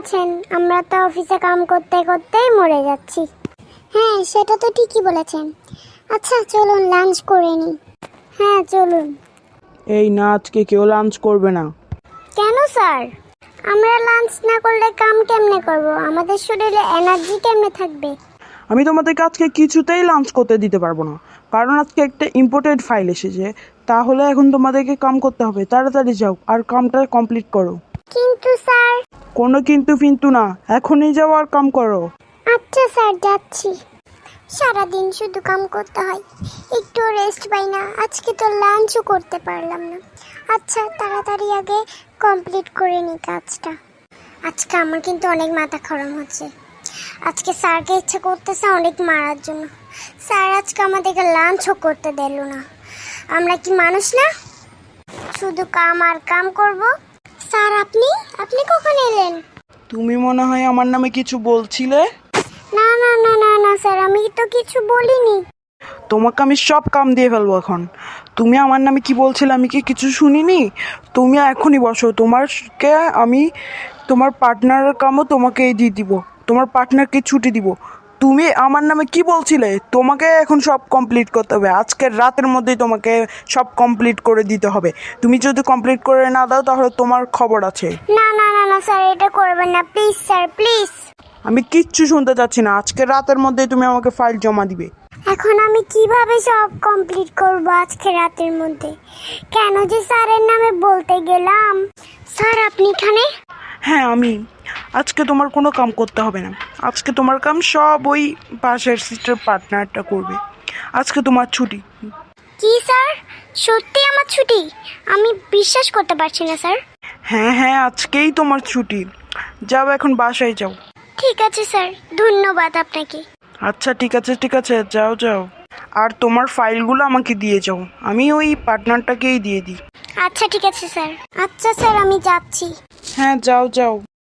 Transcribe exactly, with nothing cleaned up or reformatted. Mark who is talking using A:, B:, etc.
A: বলেছেন, আমরা তো অফিসে কাম করতে করতেই মরে যাচ্ছি। হ্যাঁ, সেটা তো ঠিকই বলেছেন। আচ্ছা চলুন লাঞ্চ করে নিই। হ্যাঁ চলুন।
B: এই না, আজকে কেউ লাঞ্চ করবে না।
A: কেন স্যার? আমরা লাঞ্চ না করলে কাম কেমনে করব? আমাদের শরীরে এনার্জি কেমনে থাকবে?
B: আমি তোমাদেরকে আজকে কিছুতেই লাঞ্চ করতে দিতে পারবো না, কারণ আজকে একটা ইম্পর্টেন্ট ফাইল এসেছে। তাহলে এখন তোমাদেরকে কাম করতে হবে। তাড়াতাড়ি যাও আর কামটা কমপ্লিট করো।
A: কিন্তু স্যার।
B: কোনো কিন্তু কিন্তু না, এখনই যাও আর কাম করো।
A: আচ্ছা স্যার, যাচ্ছি। সারাদিন শুধু কাম করতে হয়, একটু রেস্ট পাই না। আজকে তো লাঞ্চও করতে পারলাম না। আচ্ছা তাড়াতাড়ি আগে কমপ্লিট করে নিই কাজটা। আজকে আমার কিন্তু অনেক মাথা গরম হচ্ছে। আজকে স্যারকে ইচ্ছে করতেছে অনেক মারার জন্য। স্যার আজকে আমাদেরকে লাঞ্চও করতে দিল না। আমরা কি মানুষ না? শুধু কাম আর কাম করব। স্যার আপনি আপনি কখন এলেন?
B: তুমি মনে হয় আমার নামে কিছু বলছিলে।
A: না না না না না স্যার, আমি তো কিছু বলিনি।
B: তোমাকে আমি সব কাম দিয়ে ফেলবো এখন। তুমি আমার নামে কি বলছিলে, আমি কি কিছু শুনিনি? তুমি এখনই বসো, তোমারকে আমি তোমার পার্টনারের কামও তোমাকেই দিয়ে দিব। তোমার পার্টনারকে ছুটি দিব। তুমি আমার নামে কি বলছিলে? তোমাকে এখন সব কমপ্লিট করতে হবে। আজকের রাতের মধ্যেই তোমাকে সব কমপ্লিট করে দিতে হবে। তুমি যদি কমপ্লিট করে না দাও তাহলে তোমার খবর আছে।
A: না না না না স্যার, এটা করবেন না প্লিজ স্যার, প্লিজ।
B: আমি কিচ্ছু শুনতে চাচ্ছি না। আজকের রাতের মধ্যেই তুমি আমাকে ফাইল জমা দিবে।
A: এখন আমি কিভাবে সব কমপ্লিট করব আজকে রাতের মধ্যে? কেন যে স্যারের নামে বলতে গেলাম? স্যার আপনি এখানে?
B: হ্যাঁ আমি। আজকে তোমার কোনো কাম করতে হবে না। আজকে তোমার কাম সব ওই পাশের সিস্টার পার্টনারটা করবে। আজকে তোমার ছুটি।
A: কি স্যার, সত্যি আমার ছুটি? আমি বিশ্বাস করতে পারছি না স্যার।
B: হ্যাঁ হ্যাঁ, আজকেই তোমার ছুটি। যাও এখন বাসায় যাও।
A: ঠিক আছে স্যার, ধন্যবাদ আপনাকে।
B: আচ্ছা ঠিক আছে ঠিক আছে, যাও যাও। আর তোমার ফাইলগুলো আমাকে দিয়ে যাও, আমি ওই পার্টনারটাকেই দিয়ে দিই।
A: আচ্ছা ঠিক আছে স্যার। আচ্ছা স্যার, আমি যাচ্ছি।
B: হ্যাঁ যাও যাও।